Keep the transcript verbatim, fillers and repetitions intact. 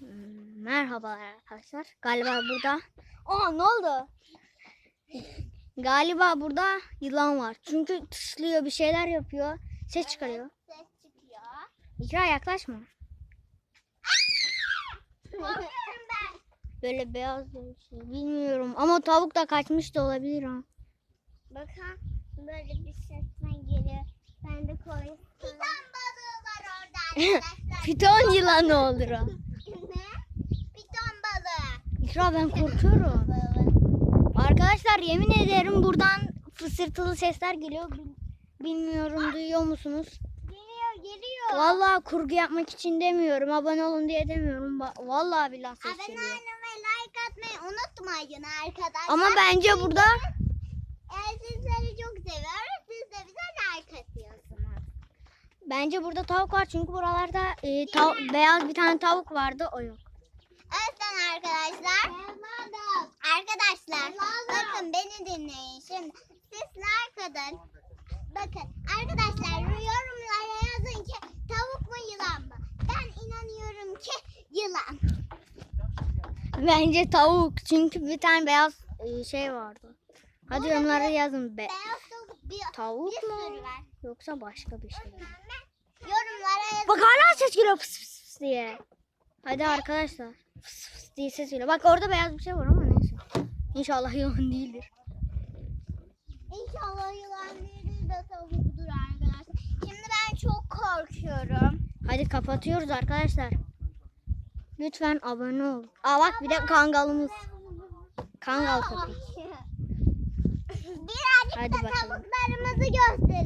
Merhabalar arkadaşlar. Galiba burada. Aa, ne oldu? Galiba burada yılan var. Çünkü tıslıyor, bir şeyler yapıyor. Ses çıkarıyor. Ses çıkıyor. İkra, yaklaşma. Korkuyorum ben. Böyle beyaz bir şey. Bilmiyorum ama tavuk da kaçmış da olabilir ha. Bakın böyle bir sesten geliyor. Ben de koyayım. Piton balığı var orada arkadaşlar. Piton yılanı olur o. Ne? Piton balığı. İkra, ben korkuyorum. Arkadaşlar yemin ederim buradan fısırtılı sesler geliyor. Bil- Bilmiyorum, duyuyor musunuz? Geliyor geliyor. Vallahi kurgu yapmak için demiyorum. Abone olun diye demiyorum. Ba- Vallahi billahi ses Abone geliyor. olmayı, like atmayı unutmayın arkadaşlar. Ama bence burada Eğer sizleri çok seviyoruz, siz de bize like atıyorsunuz. bence burada tavuk var. Çünkü buralarda e, tav- beyaz bir tane tavuk vardı. O yok. Evet arkadaşlar. Arkadaşlar bakın beni dinleyin şimdi. Siz like atın. Bakın arkadaşlar yorumlara yazın ki tavuk mu yılan mı? Ben inanıyorum ki yılan. Bence tavuk. Çünkü bir tane beyaz e, şey vardı. Hadi yorumlara yazın. Be Beyaz tavuk bir, tavuk bir mu? sürü var. Yoksa başka bir şey mi? Yorumlara yazın. Bak hala ses geliyor fıs fıs fıs diye. Hadi arkadaşlar. Fıs fıs diye ses geliyor. Bak orada beyaz bir şey var ama neyse. İnşallah yılan değildir. İnşallah yılan değildir de tavukdur arkadaşlar. Şimdi ben çok korkuyorum. Hadi kapatıyoruz arkadaşlar. Lütfen abone ol. Aa bak, bir de kangalımız. Kangal köpek. Birazcık Hadi da bakalım. tavuklarımızı gösterelim.